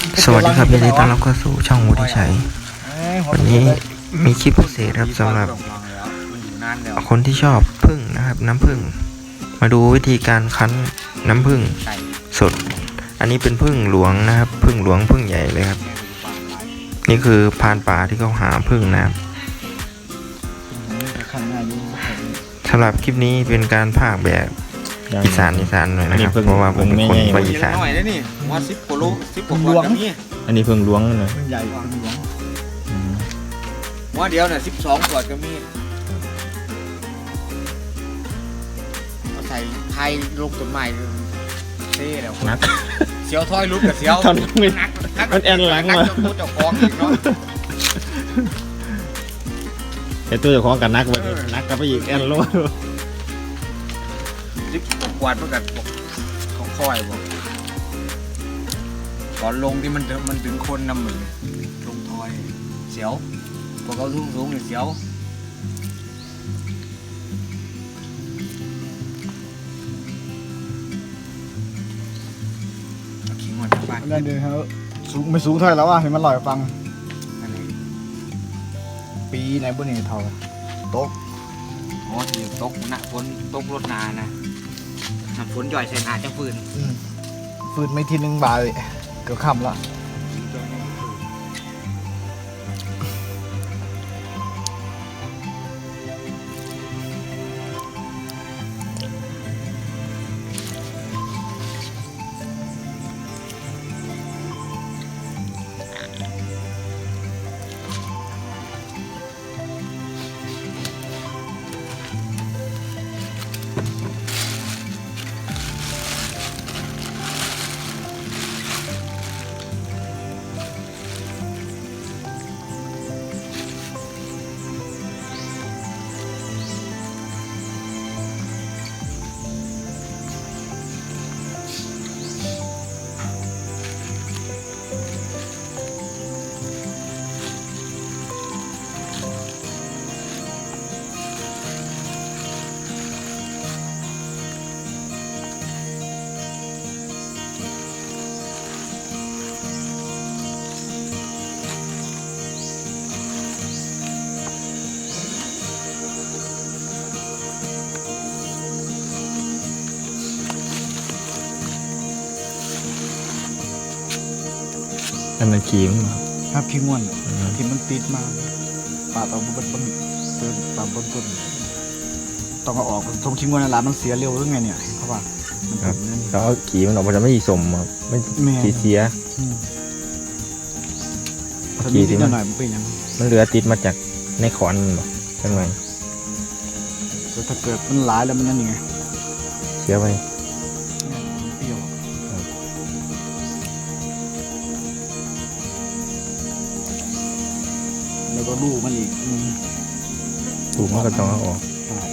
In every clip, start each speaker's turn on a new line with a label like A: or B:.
A: สวัสดีครับยินดีต้อนรับเข้าสู่ช่องวุฒิชัยวันนี้มีคลิปพิเศษครับสำหรับคนที่ชอบผึ้งนะครับน้ำผึ้งมาดูวิธีการคั้นน้ำผึ้งสดอันนี้เป็นผึ้งหลวงนะครับผึ้งหลวงผึ้งใหญ่เลยครับนี่คือพรานป่าที่เขาหาผึ้งนะครับสำหรับคลิปนี้เป็นการพากย์แบบอีสานหน่อยนะครับเพราะว่าผมเป็นคนไปอีสาน
B: หน่อยนะนี่ว่า10 กิโล 10 กว่าก็มี
C: อันนี้เพิ่งล้วงเลย
B: เพิ่งใหญ่เพิ่งล้วงว่าเดียวเนี่ย12 ขวดก็มีเอาใส่ไทยลูกต้นไม้เท่แล้ว
C: นัก
B: เสียวถ้อยลุกกับเสียวนัก
C: มันแอนหลังมา
B: เจ้าของอีกเนาะ
C: แต่ตัวเจ้าของกับนักไปนักกับไปอีกแอนโล
B: 10 กว่าเมื่อกันเขาค่อยบอกก่อนลงที่มันถึงคนน้ำมือลงทอยเสียวพวกเขาสูงเนี่ยเสียวขิงหมดทั้งบ้าน
D: นั่นเดี๋ยวเขาสูงไม่สูงเท่าไหร่แล้วอ่ะเห็นมันลอยฟังปีไหนบุญนี่เท่าตก
B: อ๋อที่ตกนะฝนตกรถนานะน้ำฝนย่อยใส่นาจังฟืน
D: ฟืนไม่ทีนึงบาทเลยเกือบค่ำละ
C: อันนั้นขี้มั้ง
D: ครับขี้ง่วนที่มันติดมาปาดเอาบนเดินตามบนต้นต้องเอาออกทงขี้ง่วนนั่นแหละมันเสียเร็วหรือไงเนี่ยเขาว่า
C: ครับเขาเอาขี้มันออกมาจะไม่สมครับไม่ขี้เสีย
D: ขี้ที่หน่อยมันเป็นยัง
C: มันเหลือติดมาจากในขอนหรอใช่ไหม
D: ถ้าเกิดมันหลายแล้วมันยังไง
C: เสียไป
D: แล้วก็ลูกมันอีก
C: ถูกมันก็ต้องเอาออก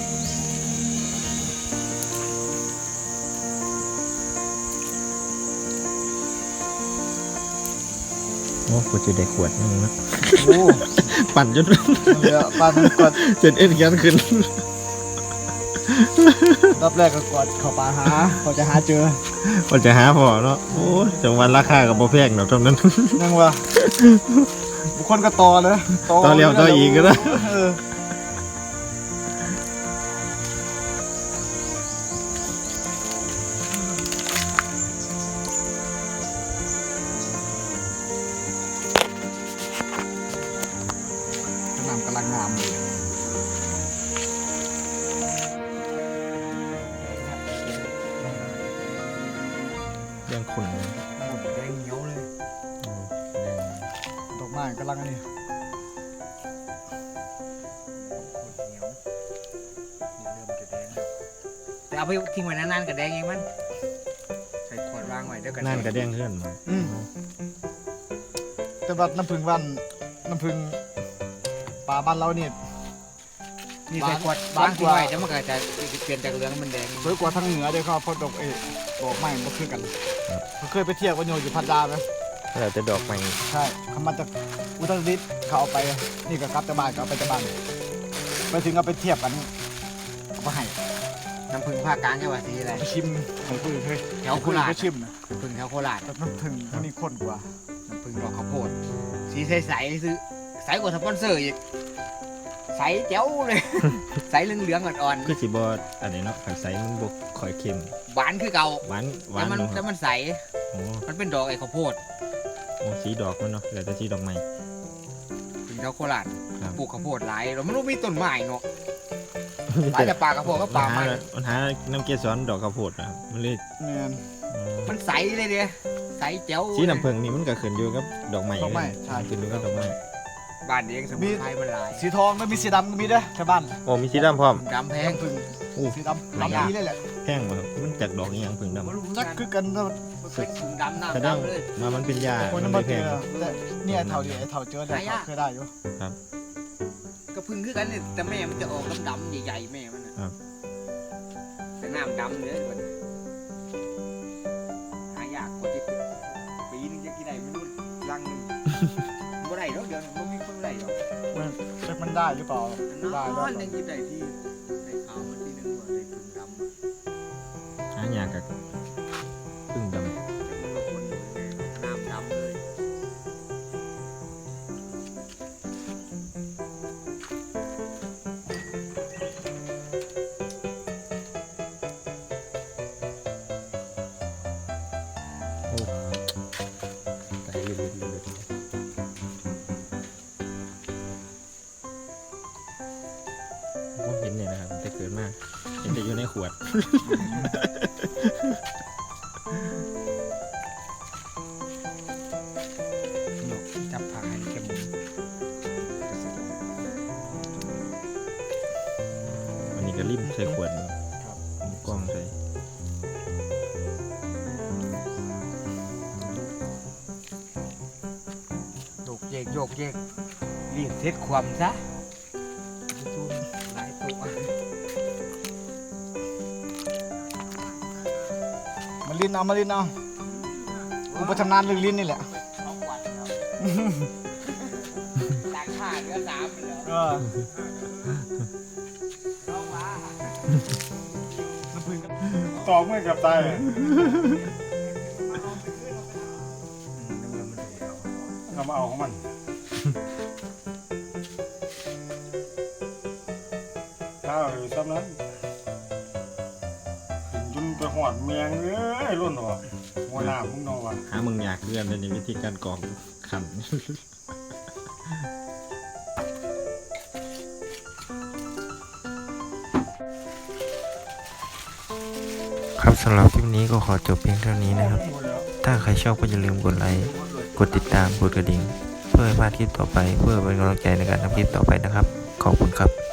C: โอ้กูจะได้ขวดนึงนะโอ้ปั่นจน
D: ปั่นกด
C: จนเอ็นยันขึ้น
D: รอบแรกก็กดเข้าป่าหาเขาจะหาเจอ
C: เขาจะหาพอเนาะโอ้จังวันราคากับโบแพงเนาะตรงนั้น
D: นั่งว่าบุคคลก็ต่อเลย
C: ต่อเลี้ยวต่ออีกก็ได้
D: น้ำกำลังงามเลย
C: ยังขุ่น
D: แดงเหนียวเลยดอกไม้กำลังนี่
B: แต่เอาไปทิ้งไว้นานๆกับแดงเองมันใส่ขวดวางไว้เดี๋ยวกัน
C: นั่นกระเด้งขึ้น
D: แต่ว่าน้ำผึ้งวันน้ำผึ้งป่าบ้านเราเนี่ย
B: นี่ใส่ขวดวางทิ้งไว้เดี๋ยวมันก็จะเปลี่ยนจากเหลืองมันแดง
D: สวยกว่าทางเหนือด้วยครับเพราะดอกดอกไม้มันคือกันเขาเคยไปเที่ยวกันอยู่พัทยาไหม
C: เราจะดอกไม้
D: ใช่เขามาจากอุตรดิตถ์เขาเอาไปนี่ก็กลับจากบ้านก็เอาไปจากบ้านไปถึงเอาไปเทียบกันเอาไปให้
B: น้ำผึ้งภาคกลางจังหวัดศรีอะไร
D: ชิมของคุณเฮ้ย
B: แถวโคราช
D: ก็ชิมนะ
B: ผึ้งแถวโคราช
D: แต่น้ำผึ้งมันมีข้นกว่า
B: น้ำผึ้งดอกข้าวโพดสีใสๆซื้อใสกว่าสปอนเซอร์อีกใสแจ๋วเลย ใสเหลืองๆอ่อน
C: คือสิบ่อันนี้เนาะขันใสมันบ่ค่อยเค็ม
B: ๆหวานคือเก่า
C: หวานห
B: แต่
C: วาน
B: มัน
C: เนาะค
B: แต่
C: รับ
B: มันใส
C: โอ้
B: มันเป็นดอกไอ้ข้าวโพด
C: โอ้สีดอกมันเนาะแล้วแต่สีดอกไม้
B: ถึงแถวโคราช
C: ครับ
B: ปลูกข้าวโพดหลายเราไม่รู้มีต้นไม้เนาะหลายแต่ปลาข้าวโพดก็ปลาไม้
C: มันหาน้ำเกสรดอกข้าวโพดนะครับมันเลย
D: แม่น
C: อ๋อ
B: มันใสเลยเดียใสแจ๋ว
C: สีน้ำผึ้งนี่มันก็ขึ้นอยู่กับดอกไม้
D: ดอกไม้ใช่
C: ขึ้นอยู่กับดอกไม้
B: บ้านเองสมุนไพรมันหลาย
D: สีทองแล้วมีสีดำก็มีเด้อแถวบ้าน
C: โอ้มีสีดำพร้อม
B: ดำแพง
D: น้ำผึ้ง
C: โอ้
D: สีดำดำดีเลยแหละ
C: แพงบ่ครับมันจากดอกนี้ยังผึ้งดำ
B: ไม่รู้
D: จักคือกันแล้ว
B: มันเป็นถุงดำ
C: แส
B: น้ำ
C: ดง
B: ดำเลย
C: มามันเป็นยา
D: คน
C: มั
D: นั้น
C: น
D: มา
C: ไม่
D: เจ
C: แพง
D: อแต่เนี่ยเท่าเดียวไอ้เท่าเจอได้เขาเคยได้อยู่
B: ก็พึ่งคือกันเนี่ยแต่แม่มันจะออกดำๆใหญ่ๆแม่มันน่ะ
C: ครับ
B: แต่น้ำดำเลยมันหายากกว่าที่ปีนึงจะกี่ได้ไม่รู้รังหนึงบ่ได้หรอกเดี๋ยวนี้บ่มีคนได้หรอก
D: มันได้หรือเปล่า
B: น
D: ได้
B: อน
D: ได้
B: ยังกินได้ที่ได้ขาวมันที่นึงว่าได้ถุงดำอะ
C: หายากกับผึ้งดำ
B: แต่มันก็คนน้ำดำเลย
C: ไก่ลืดผมเห็นเนี่ยนะครับแต่เกิดมากเห็นแต่อยู่ในขวด
B: จับผักให้เข้ม
C: วันนี้ก็ริมใส่ขวดมีกล้องใส่
B: โยกเยกโยกเยกรีดเซ็ตความซะหลายตัว
D: มันลิ้นเอามาลิ้นเอากูไปทำงานเรื่องลิ้นนี่แหละ
B: ของหวานครับต่างชาติเหลือ3ไปแล้ว
D: เออ
B: น้องว่า
E: ตอกไม่กับตายเรามาเอาของมันถ้าอยู่ซ้ำนั้นกินจนไปหอดเมียงเอ้ยรุ่นหัวหัวหน้ามึงเนอนวะ
C: หามึงอยากเลื่อนเลยในวิธีการกรองขัน
A: ครับสำหรับคลิปนี้ก็ขอจบเพียงเท่านี้นะครับ ถ้าใครชอบก็อย่าลืมกดไลค์กดติดตามกดกระดิ่ง เพื่อไม่พลาดคลิปต่อไป เพื่อเป็นกำลังใจในการทำคลิปต่อไปนะครับ ขอบคุณครับ